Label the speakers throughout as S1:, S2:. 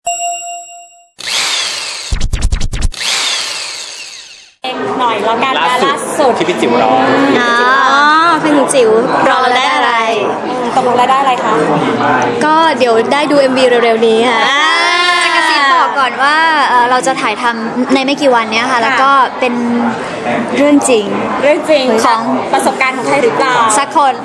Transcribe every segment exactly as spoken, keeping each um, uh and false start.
S1: หน่อยแล้วกันล่าสุด
S2: ที่พี่จิ๋วร้อง
S3: อ๋อเพลงจิ๋วรอเราได้อะไร
S1: ตกลงแล้วได้อะไรคะ
S3: ก็เดี๋ยวได้ดู เอ็ม วี เร็วๆนี้ค่ะ
S4: จะกระซิบบอกก่อนว่าเราจะถ่ายทำในไม่กี่วันนี้ค่ะแล้วก็เป็นเรื่องจริง
S1: เรื่องจริงของประสบการณ์ของใครหรือเปล่า
S4: สักคน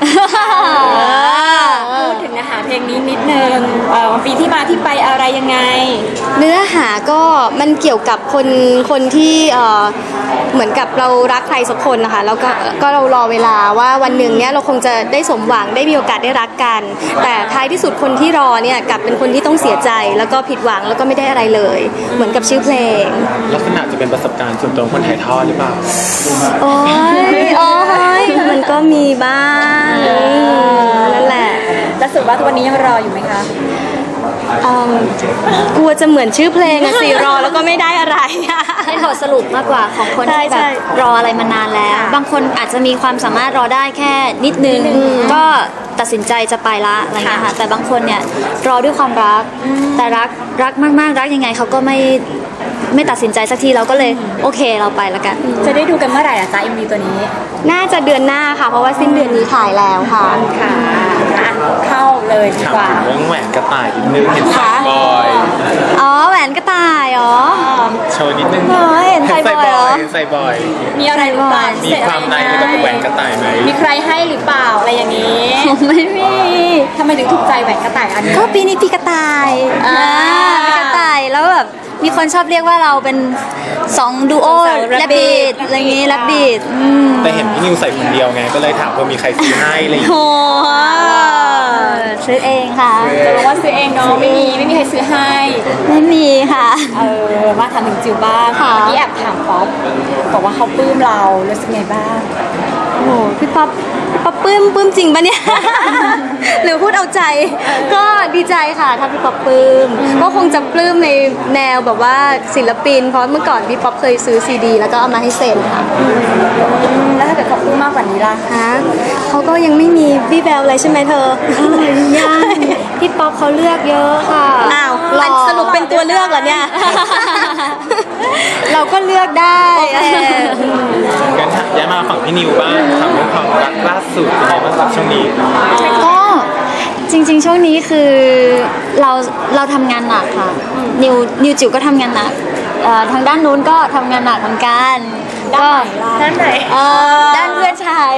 S1: พูดถึงนะคะเพลงนี้นิดนึงปีที่มาที่ไปอะไรยังไง
S3: เนื้อหาก็มันเกี่ยวกับคนคนที่เหมือนกับเรารักใครสักคนนะคะแล้วก็ก็เรารอเวลาว่าวันหนึ่งเนี้ยเราคงจะได้สมหวังได้มีโอกาสได้รักกันแต่ท้ายที่สุดคนที่รอเนี่ยกลับเป็นคนที่ต้องเสียใจแล้วก็ผิดหวังแล้วก็ไม่ได้อะไรเลยเหมือนกับชื่อเพลง
S2: ลักษณะจะเป็นประสบการณ์ส่วนตัวคนถ่ายทอดหรือเปล่า
S3: โอ้ยโอ้ยมันก็มีบ้างนั่นแหละ
S1: แล้วสุดว่าทุกวันนี้ยังรออยู่ไหมคะ
S3: กลัวจะเหมือนชื่อเพลงอะสิรอแล้วก็ไม่ได้อะไร
S4: ให้บทสรุปมากกว่าของคนที่แบบรออะไรมานานแล้วบางคนอาจจะมีความสามารถรอได้แค่นิดนึงก็ตัดสินใจจะไปละอะไรเงี้ยค่ะแต่บางคนเนี่ยรอด้วยความรักแต่รักรักมากๆรักยังไงเขาก็ไม่ไม่ตัดสินใจสักทีเราก็เลยโอเคเราไปละกัน
S1: จะได้ดูกันเมื่อไหร่อะจ๊ะ เอ็ม วี ตัวนี้
S3: น่าจะเดือนหน้าค่ะเพราะว่าสิ้นเดือนนี้ถ่ายแล้วค่ะ
S1: ค่ะเข้าเลยดีกว่า
S2: เรื่องแหวนกระต่ายนิดนึงเห็นใส่บอย
S3: อ๋อแหวนกระต่ายอ๋อ
S2: โชว์นิดนึง
S3: เห็นใส่บอยเหรอ
S2: ใส่บอย
S1: มีอะไรหรือเปล่า
S2: มีความในกับแหวนกระต่ายไหม
S1: มีใครให้หรือเปล่าอะไรอย่างนี้
S3: ไม่มี
S1: ทำไมถึงถูกใจแหวนกระต่ายอันนี้
S3: ก็ปีนี้ปีกระต่ายอ่ากระต่ายแล้วแบบมีคนชอบเรียกว่าเราเป็นสองดูโอแรบบิทอะไรอย่างงี้แรบบิท
S2: แต่เห็นพี่นิวใส่คนเดียวไงก็เลยถามว่ามีใครซื้อให้อะไรอย่างเงี้ย
S3: โอ้ซื้อเองค่ะ
S1: จะบอกว่าซื้อเองเนาะไม่มีไม่มีใครซื้อให้
S3: ไม่มีค่ะ
S1: เออมาถามถึงจิ๋วบ้างเมื่อกี้แอบถามป๊อปบอกว่าเขาปลื้มเรารู้สึกไงบ้าง
S3: โอ้พี่ป๊อปป๊อปปลื้มปลื้มจริงปะเนี่ยหรือพูดเอาใจก็ดีใจค่ะถ้าพี่ป๊อปปลื้มก็คงจะปลื้มในแนวแบบว่าศิลปินเพราะเมื่อก่อนพี่ป๊อปเคยซื้อซีดีแล้วก็เอามาให้เซ็นค่ะ
S1: แล้วถ้าเกิดเขาปลื้มมากกว่านี้ล่ะ
S3: ฮะเขาก็ยังไม่มีวี่แววอะไรใช่ไหมเธอ
S4: ยังพี่ป๊อปเขาเลือกเยอะค่ะ
S3: อ้าวสรุปเป็นตัวเลือกเหรอเนี่ยเราก็เลือกได้
S2: งั้นย้ายมาฝั่งพี่นิวบ้างถามเรื่องความรักล่าสุดเป็นไงบ้างครับช่วงนี้
S4: ก็จริงๆช่วงนี้คือเราเราทำงานหนักค่ะนิวนิวจิ๋วก็ทำงานหนักทางด้านนู้นก็ทำงานหนักเหมือนกัน
S1: ก็ด้านไหน
S4: ด้านเพื่อนชาย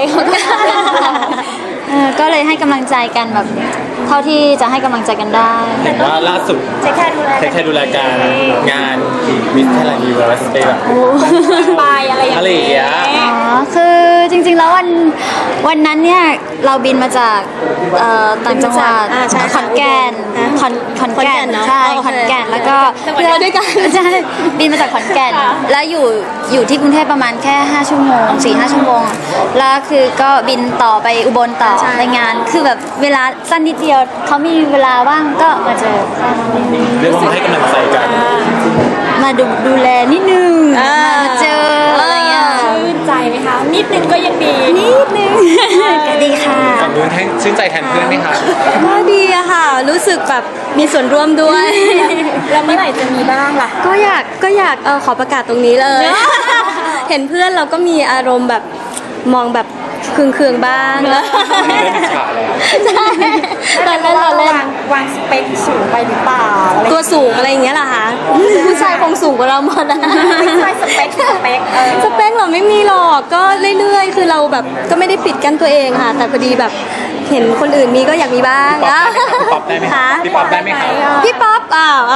S4: ก็เลยให้กำลังใจกันแบบเท่าที่จะให้กำลังใจกันได้
S2: เห็นว่าล่าสุด
S1: ใช้แค่ดูแล
S2: ใช้แค่ดูแลการงานมิสเทอร์นิวเวอร์สเตย์แบบ
S1: ไปอะไรอย่างเงี้ย
S4: อ๋อคือจริงๆแล้ววันวันนั้นเนี่ยเราบินมาจากต่างจังหวัดขอนแก่นขอนขอนแก่นใช่ขอนแก่นแล้วก็
S3: เพื่อนด้วยกัน
S4: ใช่บินมาจากขอนแก่นแล้วอยู่อยู่ที่กรุงเทพประมาณแค่ห้าชั่วโมง สี่ห้า ชั่วโมงแล้วคือก็บินต่อไปอุบลต่อไปงานคือแบบเวลาสั้นนิดเดียวเขามีเวลาว่างก็มาเจอ
S2: เรียกว่าให้กำลังใจกัน
S4: มาดูดูแลนิดนึงมาเจออะไรเงี้ย
S1: ชื่นใจไหมคะนิดนึงก็ยังดี
S4: นิดนึงก็ดีค่ะ
S2: ฝั่งนู้นให้ชื่นใจแทนเพื่อนไหมคะ
S3: ก็ดีอะค่ะรู้สึกแบบมีส่วนร่วมด้วย
S1: แล้วเมื่อไหร่จะมีบ้างล่ะ
S3: ก็อยากก็อยากเออขอประกาศตรงนี้เลยเห็นเพื่อนเราก็มีอารมณ์แบบมองแบบเคืองๆบ้าง
S1: ใช่ตอนนั้นเราเล่นวางสเปคสูงไปหรือเปล่า
S3: ตัวสูงอะไรอย่างเงี้ยเหรอคะผู้ชายคงสูงกว่าเราหมดนะ
S1: ไม่ใช่สเปคสเปค
S3: สเปคเราไม่มีหรอกก็เรื่อยๆคือเราแบบก็ไม่ได้ปิดกั้นตัวเองค่ะแต่พอดีแบบเห็นคนอื่นมีก็อยากมีบ้าง
S2: พี่ป๊อปได้ไหมคะพี่ป๊อปได้ไหมคะ
S3: พี่ป๊อปอ้าว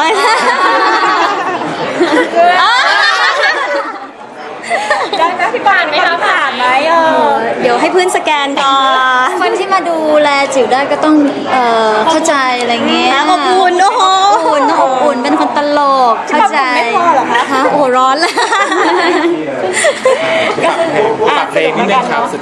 S1: ได้ไหมพี่ปานไหมคะผ่านไหมเออ
S3: เดี๋ยวให้เพื่อนสแกนก่อน
S4: คนที่มาดูแลจิ๋วได้ก็ต้องเอ่อเข้าใจอะไรเงี้ย
S3: อบอุ่นโอ้โห
S4: อบอุ่นอบอุ่นเป็นคนตลกเข้าใจ
S1: ไม่พอหรอคะ
S3: ฮะโอ้ร้อนเลย
S2: ฝากเพลงนิดนึงครับสุด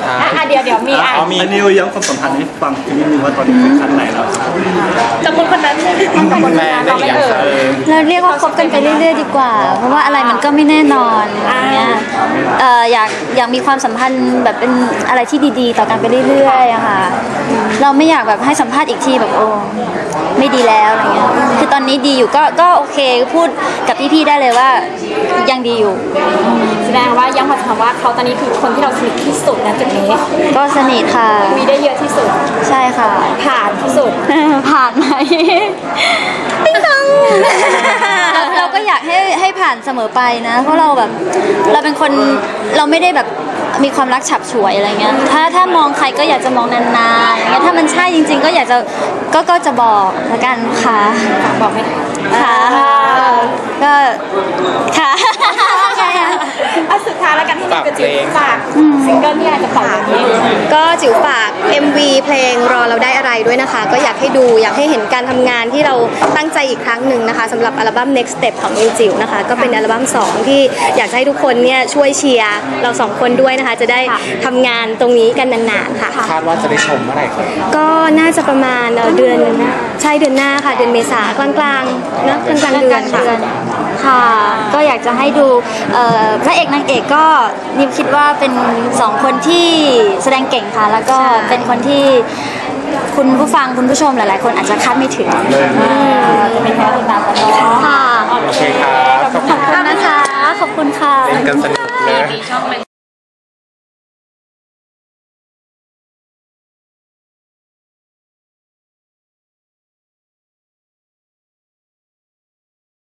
S2: ท้าย
S1: อ่ะเดี๋ยวเดี๋ยวมีอ่ะ
S2: เอามี
S5: อันนี้ย้ำความสัมพันธ์ให้ฟังนิดนึงว่าตอนนี้เป็นขั้นไหนแล้ว
S1: จำคนคนนั้นจำคนคนนั้นเราไม่เอ่ย
S4: เราเรียกว่าคบกันไปเรื่อยๆดีกว่า เพราะว่าอะไรมันก็ไม่แน่นอนอย่างเงี้ยเอ่ออยากอยากมีความสัมพันธ์แบบเป็นอะไรที่ดีๆ ต่อกันไปเรื่อยๆอะค่ะเราไม่อยากแบบให้สัมภาษณ์อีกทีแบบโอ้ไม่ดีแล้วอะไรเงี้ยคือตอนนี้ดีอยู่ก็ก็โอเคพูดกับพี่ๆได้เลยว่ายังดีอยู่
S1: แสดงว่าย้ำมาถามว่าเขาตอนนี้คือคนที่เราสนิทที่สุดนะจุดนี้
S4: ก็สนิทค่ะ
S1: คุยได้เยอะที่สุด
S4: ใช่ค่ะ
S1: ผ่านที่สุด
S4: ผ่านไหมติ๊งตังเราเราก็อยากให้ให้ผ่านเสมอไปนะ เพราะเราแบบเราเป็นคนเราไม่ได้แบบมีความรักฉับฉวยอะไรเงี้ยถ้าถ้ามองใครก็อยากจะมองนานๆอย่างเงี้ยถ้ามันใช่จริง ๆ ก็อยากจะก็ก็จะบอกละกันค่ะ
S1: บอกไหม
S4: ค่ะก็ค่ะ
S1: อ่ะสุดท้ายแล้วกันที่นี่คือจิ๋วฝากซิงเกิลที่อาจจะปล่อยวันนี้
S3: ก็จิ๋วฝาก เอ็ม วี เพลงรอเราได้อะไรด้วยนะคะ ก็อยากให้ดูอยากให้เห็นการทำงานที่เราตั้งใจอีกครั้งหนึ่งนะคะสำหรับอัลบั้ม Next Step ของนิวจิ๋วนะคะก็เป็นอัลบั้มสองที่อยากจะให้ทุกคนเนี่ยช่วยเชียร์เราสองคนด้วยนะคะ จะได้ทำงานตรงนี้กันนานๆค่ะ
S2: คาดว่าจะได้ชมเมื่อไหร่ครับ
S3: ก็น่าจะประมาณเอ่อเดือนใช่เดือนหน้าค่ะ เดือนเมษากลางๆนะกลางๆเดือนค่ะ
S4: ค่ะ ก็อยากจะให้ดูเอ่อพระเอกนางเอกก็นิวคิดว่าเป็นสองคนที่แสดงเก่งค่ะ แล้วก็เป็นคนที่คุณผู้ฟังคุณผู้ชมหลายๆ คนอาจจะคาดไม่ถึง
S1: จะเป็นแค่ติดตามกันเนาะ
S4: ค่ะ
S2: โอเคครับ ขอบคุณ
S4: ขอบคุณนะคะ ขอบคุณค่ะ
S2: เล่นกันสนุกเลย